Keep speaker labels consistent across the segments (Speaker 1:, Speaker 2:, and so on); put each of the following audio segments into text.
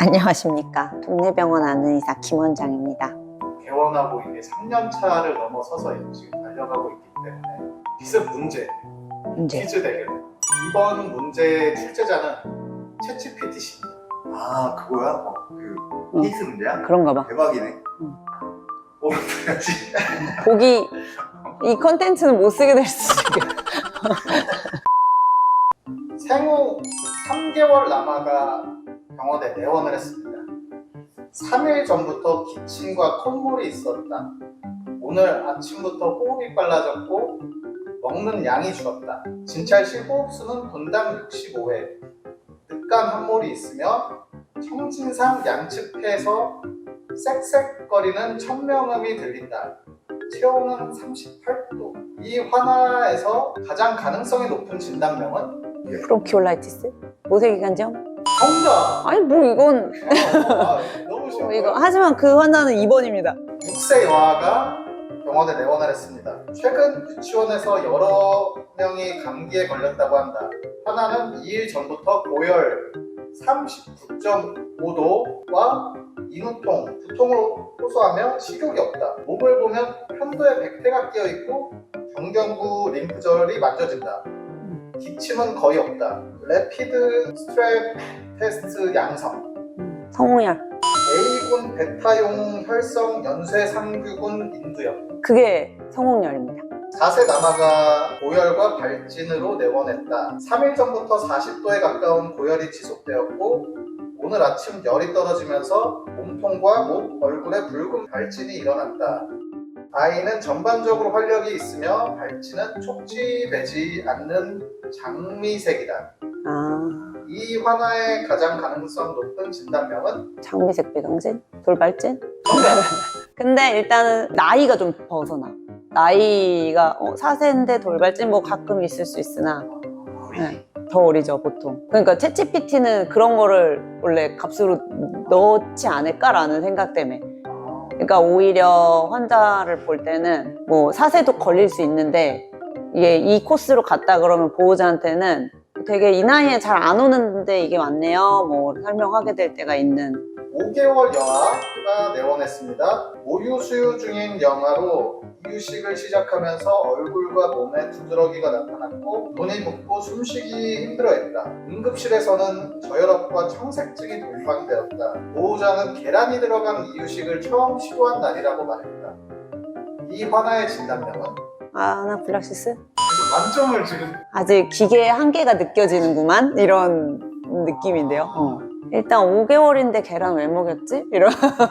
Speaker 1: 안녕하십니까. 동네병원 아는 의사 김원장입니다.
Speaker 2: 개원하고 이게 3년 차를 넘어서서 지금 달려가고 있기 때문에 기습 문제, 퀴즈 대결. 이번 문제 출제자는 챗GPT입니다.
Speaker 3: 아 그거야? 그 퀴즈 문제야?
Speaker 1: 그런가 봐.
Speaker 3: 대박이네. 그래야지.
Speaker 1: 보기 이 컨텐츠는 못 쓰게 될 수도 있겠다.
Speaker 2: 생후 3개월 남아가 병원에 내원을 했습니다. 3일 전부터 기침과 콧물이 있었다. 오늘 아침부터 호흡이 빨라졌고 먹는 양이 줄었다. 진찰실 호흡수는 분당 65회. 늑간 함몰이 있으며 청진상 양측폐에서 쌕쌕거리는 천명음이 들린다. 체온은 38도. 이 환아에서 가장 가능성이 높은 진단명은
Speaker 1: 브론키올라이티스? 모세기관지염?
Speaker 2: 정답!
Speaker 1: 아니 뭐 이건
Speaker 2: 너무 쉬워.
Speaker 1: 이거 하지만 그 환자는 2번입니다.
Speaker 2: 6세 여아가 병원에 내원을 했습니다. 최근 유치원에서 여러 명이 감기에 걸렸다고 한다. 하나는 2일 전부터 고열 39.5도와 인후통, 두통을 호소하며 식욕이 없다. 목을 보면 편도에 백태가 끼어있고 경경부 림프절이 만져진다. 기침은 거의 없다. 레피드 스트랩 테스트 양성.
Speaker 1: 성홍열.
Speaker 2: A군 베타용 혈성 연쇄상규군 인두염.
Speaker 1: 그게 성홍열입니다.
Speaker 2: 4세 남아가 고열과 발진으로 내원했다. 3일 전부터 40도에 가까운 고열이 지속되었고 오늘 아침 열이 떨어지면서 몸통과 목, 얼굴에 붉은 발진이 일어났다. 아이는 전반적으로 활력이 있으며 발진은 촉지되지 않는 장미색이다. 이 환아의 가장 가능성 높은 진단명은
Speaker 1: 장미색 비강진? 돌발진? 근데 일단은 나이가 좀 벗어나. 나이가 4세인데 돌발진 뭐 가끔 있을 수 있으나 네, 더 어리죠 보통. 그러니까 챗GPT는 그런 거를 원래 값으로 넣지 않을까라는 생각 때문에. 그러니까 오히려 환자를 볼 때는 뭐 4세도 걸릴 수 있는데 이게 이 코스로 갔다 그러면 보호자한테는 되게 이 나이에 잘 안 오는데 이게 맞네요 뭐 설명하게 될 때가 있는.
Speaker 2: 5개월 여아가 내원했습니다. 모유 수유 중인 영아로 이유식을 시작하면서 얼굴과 몸에 두드러기가 나타났고 눈이 붓고 숨쉬기 힘들어했다. 응급실에서는 저혈압과 청색증이 동반되었다. 보호자는 계란이 들어간 이유식을 처음 시도한 날이라고 말했다. 이 환아의 진단명은?
Speaker 1: 아나필락시스?
Speaker 2: 만점을 지금
Speaker 1: 아직 기계의 한계가 느껴지는구만 이런 느낌인데요. 일단 5개월인데 계란 왜 먹였지? 이런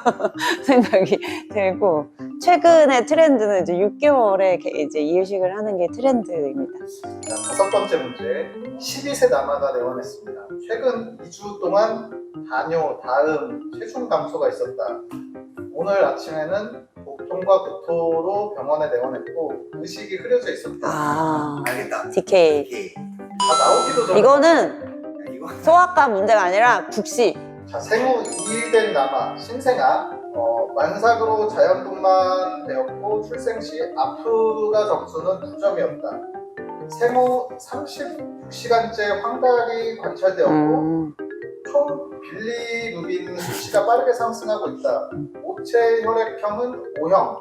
Speaker 1: 생각이 들고 최근의 트렌드는 이제 6개월에 이제 이유식을 하는 게 트렌드입니다.
Speaker 2: 자, 5번째 문제. 12세 남아가 내원했습니다. 최근 2주 동안 다뇨, 다음, 체중 감소가 있었다. 오늘 아침에는 복통과 구토로 병원에 내원했고 의식이 흐려져 있었다.
Speaker 3: 알겠다.
Speaker 1: DK.
Speaker 2: 다 나오기도 전에
Speaker 3: 야,
Speaker 1: 이거는
Speaker 3: 이거
Speaker 1: 소아과 문제가 아니라 국시.
Speaker 2: 자, 생후 2일 된 남아 신생아 만삭으로 자연분만되었고 출생 시 아프다 점수는 9점이었다. 생후 36시간째 황달이 관찰되었고 총 빌리루빈 수치가 빠르게 상승하고 있다. 모체 혈액형은 O형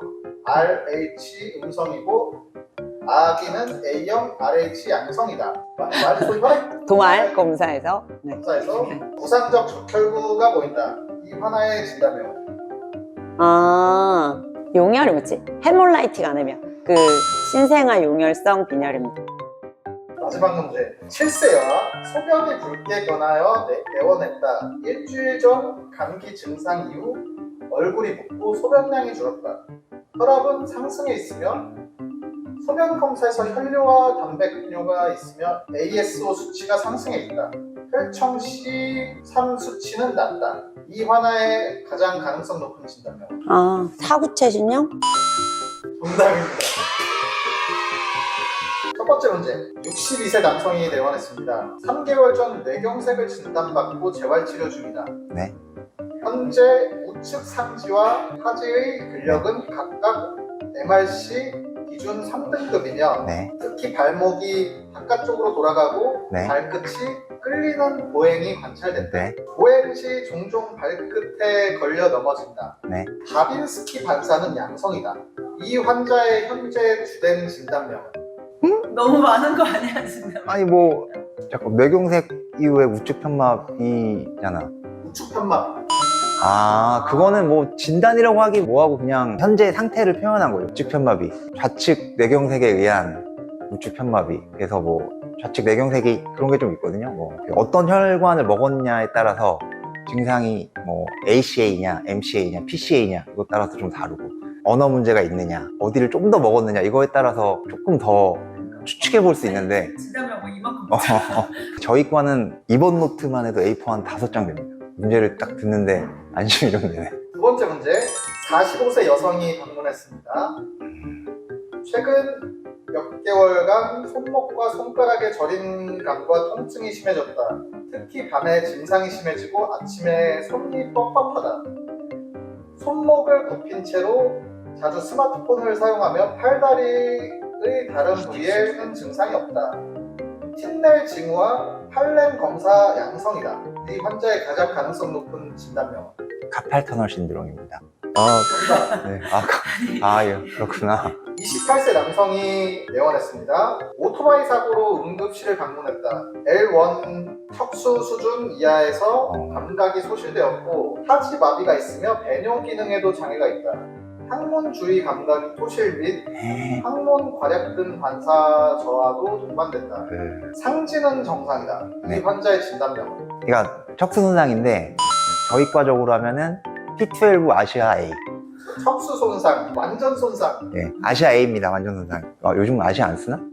Speaker 2: RH 음성이고 아기는 A형 RH 양성이다. 말소 혈액
Speaker 1: 도말 검사에서
Speaker 2: 검사에서 부상적 적혈구가 보인다. 이 환아의 진단명은?
Speaker 1: 용혈이 뭐지? 헤몰라이틱 아니면 그 신생아 용혈성 빈혈입니다.
Speaker 2: 마지막 문제. 7세여아 소변이 붉게 변하여 내원했다. 일주일 전 감기 증상 이후 얼굴이 붓고 소변량이 줄었다. 혈압은 상승해 있으며 소변 검사에서 혈뇨와 담백뇨가 있으며 ASO 수치가 상승해 있다. 혈청 C3 수치는 낮다. 이 환아의 가장 가능성 높은 진단명은?
Speaker 1: 사구체신형?
Speaker 2: 정답입니다. 첫 번째 문제. 62세 남성이 내원했습니다. 3개월 전 뇌경색을 진단받고 재활치료 중이다.
Speaker 3: 네.
Speaker 2: 현재 우측 상지와 하지의 근력은 각각 MRC 기준 3등급이며
Speaker 4: 네.
Speaker 2: 특히 발목이 바깥쪽으로 돌아가고
Speaker 4: 네.
Speaker 2: 발끝이 끌리는 보행이 관찰된다.
Speaker 4: 네.
Speaker 2: 보행 시 종종 발끝에 걸려 넘어진다.
Speaker 4: 네.
Speaker 2: 바빈스키 반사는 양성이다. 이 환자의 현재 주된 진단명은?
Speaker 1: 너무 많은 거 아니야 진짜?
Speaker 4: 아니 뭐 잠깐 뇌경색 이후에 우측 편마비잖아.
Speaker 2: 우측 편마비.
Speaker 4: 아, 그거는 뭐 진단이라고 하기 뭐하고 그냥 현재 상태를 표현한 거예요. 우측 편마비. 좌측 뇌경색에 의한 우측 편마비. 그래서 뭐 좌측 뇌경색이 그런 게 좀 있거든요. 뭐 어떤 혈관을 먹었냐에 따라서 증상이 뭐 ACA냐, MCA냐, PCA냐 이것 따라서 좀 다르고 언어 문제가 있느냐, 어디를 좀 더 먹었느냐 이거에 따라서 조금 더 추측해 볼 수 있는데
Speaker 1: 진단명 뭐 이만큼.
Speaker 4: 저희 과는 입원 노트만 해도 A4 한 5장 됩니다. 문제를 딱 듣는데 안심이 좀 되네.
Speaker 2: 두 번째 문제. 45세 여성이 방문했습니다. 최근 몇 개월간 손목과 손가락의 저림감과 통증이 심해졌다. 특히 밤에 증상이 심해지고 아침에 손이 뻑뻑하다. 손목을 굽힌 채로 자주 스마트폰을 사용하며 팔다리의 다른 부위에는 증상이 없다. 틴넬 징후와 팔렘 검사 양성이다. 이 환자의 가장 가능성 높은 진단명은?
Speaker 4: 카팔 터널 신드롬입니다. 네. 예, 그렇구나.
Speaker 2: 28세 남성이 내원했습니다. 오토바이 사고로 응급실을 방문했다. L1 척수 수준 이하에서 감각이 소실되었고 하지 마비가 있으며 배뇨 기능에도 장애가 있다. 항문 주위 감각이 소실 및 항문 괄약 등 반사 저하도 동반된다. 상지는 정상이다. 이
Speaker 4: 네.
Speaker 2: 환자의 진단명은?
Speaker 4: 그러니까 척수 손상인데 저희과적으로 하면은 T12 아시아 A.
Speaker 2: 척수 손상, 완전 손상,
Speaker 4: 네, 아시아 A입니다. 완전 손상. 요즘 아시아 안 쓰나?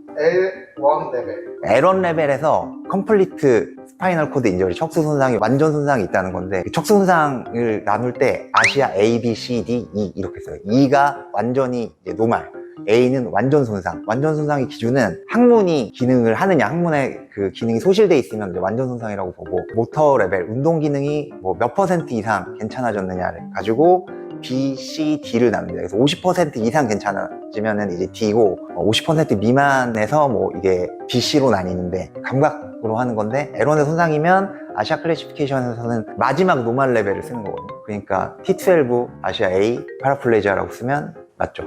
Speaker 2: L1 레벨.
Speaker 4: L1 레벨에서 컴플리트 스파이널 코드 인저리 척수 손상이 완전 손상이 있다는 건데 그 척수 손상을 나눌 때 아시아 A, B, C, D, E 이렇게 써요. E가 완전히 이제 노말, A는 완전 손상. 완전 손상의 기준은 항문이 기능을 하느냐, 항문의 그 기능이 소실돼 있으면 이제 완전 손상이라고 보고 모터 레벨, 운동 기능이 뭐 몇 % 이상 괜찮아졌느냐를 가지고 B, C, D를 나눕니다. 그래서 50% 이상 괜찮아지면은 이제 D고 50% 미만에서 뭐 이게 B, C로 나뉘는데 감각으로 하는 건데 L1의 손상이면 아시아 클래시피케이션에서는 마지막 노말 레벨을 쓰는 거거든요. 그러니까 T12 아시아 A 파라플레지아라고 쓰면 맞죠.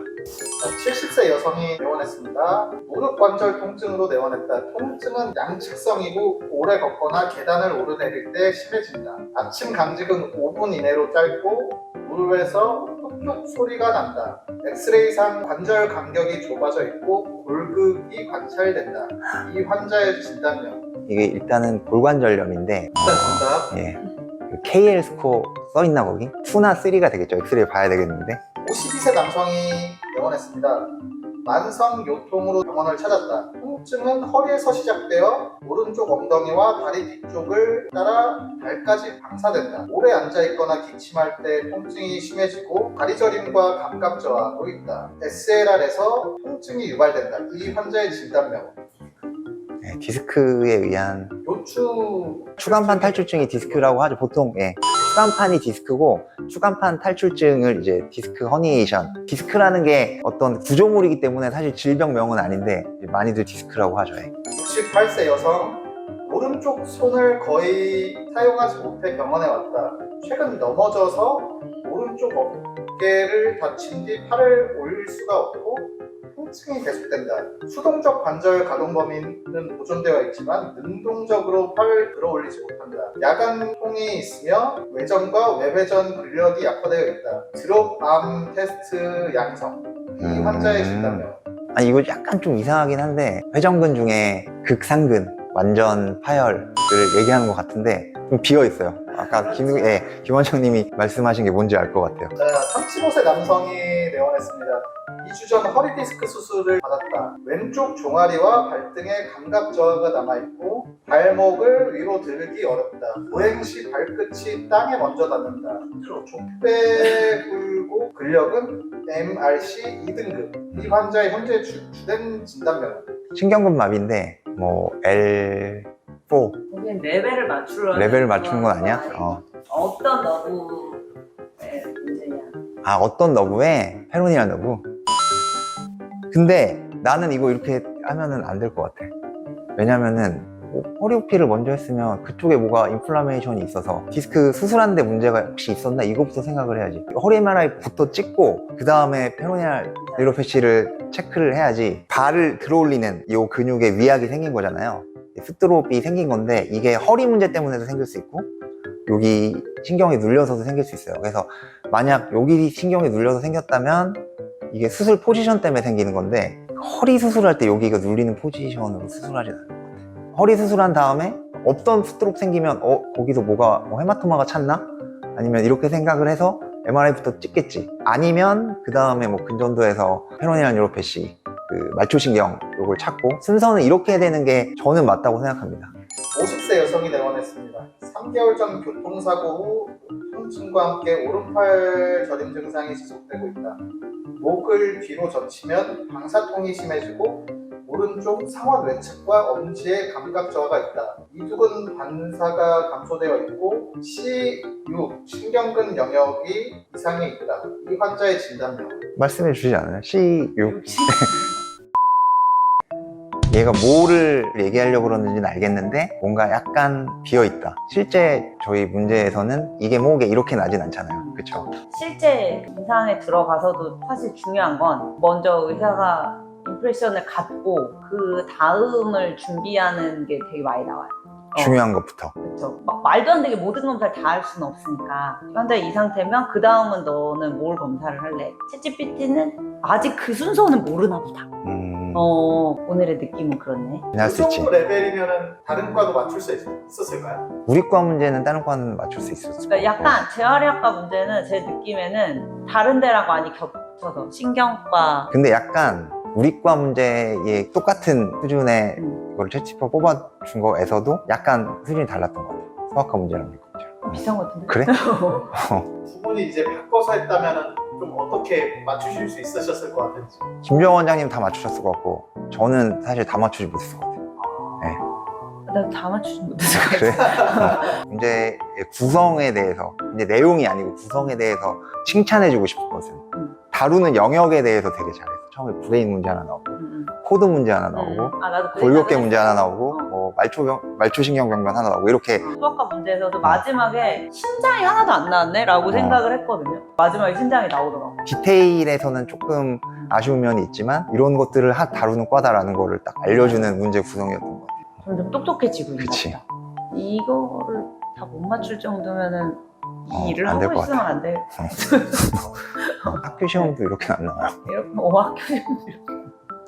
Speaker 2: 70세 여성이 내원했습니다. 무릎 관절 통증으로 내원했다. 통증은 양측성이고 오래 걷거나 계단을 오르내릴 때 심해진다. 아침 강직은 5분 이내로 짧고 무릎에서 뚝뚝 소리가 난다. 엑스레이상 관절 간격이 좁아져 있고 골극이 관찰된다. 이 환자의 진단명.
Speaker 4: 이게 일단은 골관절염인데
Speaker 2: 일단 정답.
Speaker 4: 예, 그 KL 스코어 써있나 거기? 2나 3가 되겠죠. 엑스레이 봐야 되겠는데
Speaker 2: 52세 남성이 내원했습니다. 만성 요통으로 병원을 찾았다. 통증은 허리에서 시작되어 오른쪽 엉덩이와 다리 뒤쪽을 따라 발까지 방사된다. 오래 앉아있거나 기침할 때 통증이 심해지고 다리 저림과 감각 저하도 있다. SLR에서 통증이 유발된다. 이 환자의 진단명은?
Speaker 4: 예, 디스크에 의한
Speaker 2: 요추
Speaker 4: 추간판 탈출증이 디스크라고 하죠. 보통 예, 추간판이 디스크고 추간판 탈출증을 이제 디스크 허니에이션. 디스크라는 게 어떤 구조물이기 때문에 사실 질병명은 아닌데 많이들 디스크라고 하죠. 예.
Speaker 2: 68세 여성 오른쪽 손을 거의 사용하지 못해 병원에 왔다. 최근 넘어져서 오른쪽 어깨를 다친 뒤 팔을 올릴 수가 없고 통증이 계속된다. 수동적 관절 가동 범위는 보존되어 있지만 능동적으로 팔을 들어올리지 못한다. 야간통이 있으며 외전과 외회전 근력이 약화되어 있다. 드롭암 테스트 양성. 이 환자의 진단명.
Speaker 4: 아니 이거 약간 좀 이상하긴 한데 회전근 중에 극상근 완전 파열을 얘기하는 것 같은데 좀 비어있어요. 아까 김원장님이 말씀하신 게 뭔지 알 것 같아요.
Speaker 2: 35세 남성이 내원했습니다. 2주 전 허리 디스크 수술을 받았다. 왼쪽 종아리와 발등에 감각 저하가 남아있고 발목을 위로 들기 어렵다. 보행 시 발끝이 땅에 먼저 닿는다. 족배 굴고 근력은 MRC 2등급. 이 환자의 현재 주된 진단명은?
Speaker 4: 신경근 마비인데 뭐 L4
Speaker 1: 거긴 레벨을 맞추려.
Speaker 4: 레벨을 맞추는 건 아니야?
Speaker 1: 어떤 너브의 문제냐?
Speaker 4: 아 어떤 너브에 페로니안 너브? 근데 나는 이거 이렇게 하면은 안 될 것 같아. 왜냐면은 허리 오피를 먼저 했으면 그쪽에 뭐가 인플라메이션이 있어서 디스크 수술하는데 문제가 혹시 있었나 이거부터 생각을 해야지. 허리 MRI부터 찍고 그 다음에 페로니알 뉴로패시를 체크를 해야지. 발을 들어올리는 이 근육에 위약이 생긴 거잖아요. 스트로피 생긴 건데 이게 허리 문제 때문에도 생길 수 있고 여기 신경이 눌려서도 생길 수 있어요. 그래서 만약 여기 신경이 눌려서 생겼다면 이게 수술 포지션 때문에 생기는 건데 허리 수술할 때 여기가 눌리는 포지션으로 수술하지 않아요. 허리 수술한 다음에 없던 스트로크 생기면 거기서 뭐가 헤마토마가 찼나? 아니면 이렇게 생각을 해서 MRI부터 찍겠지. 아니면 그 다음에 뭐 근전도에서 페로니알 뉴로패시 그 말초신경 요걸 찾고 순서는 이렇게 되는 게 저는 맞다고 생각합니다.
Speaker 2: 50세 여성이 내원했습니다. 3개월 전 교통사고 후 통증과 함께 오른팔 저림 증상이 지속되고 있다. 목을 뒤로 젖히면 방사통이 심해지고 오른쪽 상완 외측과 엄지에 감각 저하가 있다. 이두근 반사가 감소되어 있고 C6 신경근 영역이 이상이 있다. 이 환자의 진단명.
Speaker 4: 말씀해 주시지 않아요? C6 얘가 뭐를 얘기하려고 그러는지는 알겠는데 뭔가 약간 비어있다. 실제 저희 문제에서는 이게 목에 이렇게 나진 않잖아요. 그쵸?
Speaker 1: 실제 임상에 들어가서도 사실 중요한 건 먼저 의사가 임프레션을 갖고 그 다음을 준비하는 게 되게 많이 나와요.
Speaker 4: 중요한 것부터.
Speaker 1: 그렇죠. 막 말도 안 되게 모든 검사를 다 할 수는 없으니까 환자 이 상태면 그 다음은 너는 뭘 검사를 할래? 챗GPT는 아직 그 순서는 모르나 보다. 오늘의 느낌은 그렇네.
Speaker 4: 할 수
Speaker 2: 그
Speaker 4: 있지.
Speaker 2: 정도 레벨이면 다른 과도 맞출 수 있었을까요?
Speaker 4: 우리 과 문제는 다른 과는 맞출 수 있었을
Speaker 1: 그러니까
Speaker 4: 것 같고.
Speaker 1: 약간 재활의학과 문제는 제 느낌에는 다른 데랑 많이 겹쳐서 신경과
Speaker 4: 근데 약간 우리 과 문제에 똑같은 수준의 이걸 채치퍼 뽑아준 거에서도 약간 수준이 달랐던 것 같아요. 소아과 문제랑 우리 과 문제랑.
Speaker 1: 비슷한 것 같은데?
Speaker 4: 그래?
Speaker 2: 두 분이 이제 바꿔서 했다면 좀 어떻게 맞추실 수 있으셨을 것 같은지.
Speaker 4: 김정 원장님 다 맞추셨을 것 같고 저는 사실 다 맞추지 못했을 것 같아요.
Speaker 1: 나 다 맞추지 못했어.
Speaker 4: 그래? 문제의 구성에 대해서 이제 내용이 아니고 구성에 대해서 칭찬해주고 싶은 것은 다루는 영역에 대해서 되게 잘했어. 처음에 브레인 문제 하나 나오고 코드 문제 하나 나오고
Speaker 1: 나도
Speaker 4: 골격계 문제 하나 나오고
Speaker 1: 어.
Speaker 4: 뭐 말초신경병변 하나 나오고 이렇게
Speaker 1: 수학과 문제에서도 마지막에 신장이 하나도 안 나왔네? 라고 생각을 했거든요. 마지막에 신장이 나오더라고.
Speaker 4: 디테일에서는 조금 아쉬운 면이 있지만 이런 것들을 다루는 과다라는 거를 딱 알려주는 문제 구성이었던 것 같아요.
Speaker 1: 점점 똑똑해지고 있는
Speaker 4: 그치.
Speaker 1: 것 같다. 이거를 다 못 맞출 정도면은 이 일을
Speaker 4: 안될
Speaker 1: 하고
Speaker 4: 것
Speaker 1: 있으면 안 돼.
Speaker 4: 학교 시험도 이렇게 안 나와요.
Speaker 1: 이렇게 학교 시험도 이렇게.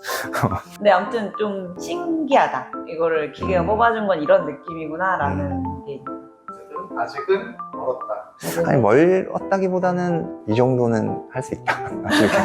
Speaker 1: 근데 아무튼 좀 신기하다. 이거를 기계가 뽑아준 건 이런 느낌이구나라는 게.
Speaker 2: 어쨌든 아직은 멀었다.
Speaker 4: 아니 멀었다기보다는 이 정도는 할 수 있다. 이렇게.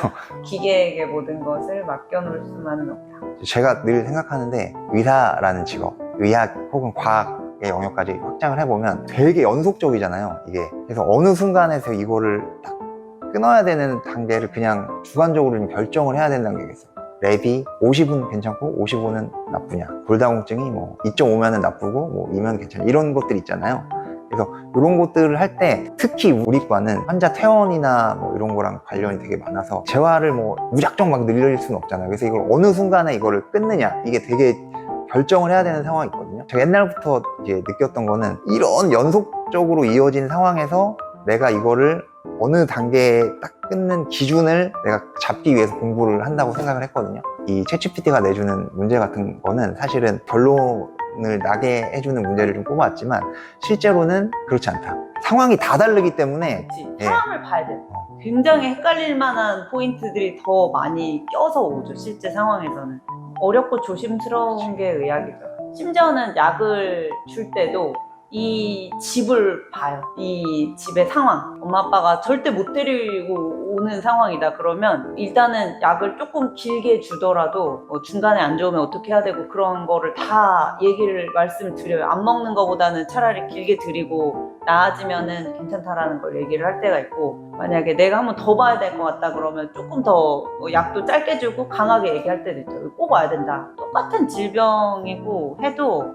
Speaker 1: 기계에게 모든 것을 맡겨놓을 수만은 없다.
Speaker 4: 제가 늘 생각하는데 의사라는 직업, 의학 혹은 과학의 영역까지 확장을 해보면 되게 연속적이잖아요, 이게. 그래서 어느 순간에서 이거를 딱 끊어야 되는 단계를 그냥 주관적으로 좀 결정을 해야 된다는 게 있어요. 랩이 50은 괜찮고 55는 나쁘냐, 골다공증이 뭐 2.5면은 나쁘고 뭐 2면 괜찮냐, 이런 것들 있잖아요. 그래서 이런 것들을 할 때 특히 우리 과는 환자 퇴원이나 뭐 이런 거랑 관련이 되게 많아서 재활을 뭐 무작정 막 늘릴 수는 없잖아요. 그래서 이걸 어느 순간에 이거를 끊느냐, 이게 되게 결정을 해야 되는 상황이 있거든요. 제가 옛날부터 이제 느꼈던 거는 이런 연속적으로 이어진 상황에서 내가 이거를 어느 단계에 딱 끊는 기준을 내가 잡기 위해서 공부를 한다고 생각을 했거든요. 이 챗GPT가 내주는 문제 같은 거는 사실은 결론을 나게 해주는 문제를 좀 뽑아왔지만 실제로는 그렇지 않다. 상황이 다 다르기 때문에
Speaker 1: 그치?
Speaker 4: 예.
Speaker 1: 사람을 봐야 돼. 굉장히 헷갈릴 만한 포인트들이 더 많이 껴서 오죠, 실제 상황에서는. 어렵고 조심스러운 게 의학이죠. 심지어는 약을 줄 때도 이 집을 봐요. 이 집의 상황. 엄마 아빠가 절대 못 데리고 오는 상황이다 그러면 일단은 약을 조금 길게 주더라도 중간에 안 좋으면 어떻게 해야 되고 그런 거를 다 말씀을 드려요. 안 먹는 거보다는 차라리 길게 드리고 나아지면은 괜찮다라는 걸 얘기를 할 때가 있고, 만약에 내가 한번 더 봐야 될 것 같다 그러면 조금 더 약도 짧게 주고 강하게 얘기할 때도 있죠. 꼭 와야 된다. 똑같은 질병이고 해도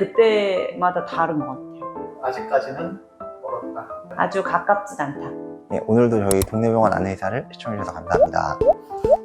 Speaker 1: 그때마다 다른 것 같아요.
Speaker 2: 아직까지는 멀었다.
Speaker 1: 아주 가깝진 않다.
Speaker 4: 예, 오늘도 저희 동네병원 안내의사를 시청해주셔서 감사합니다.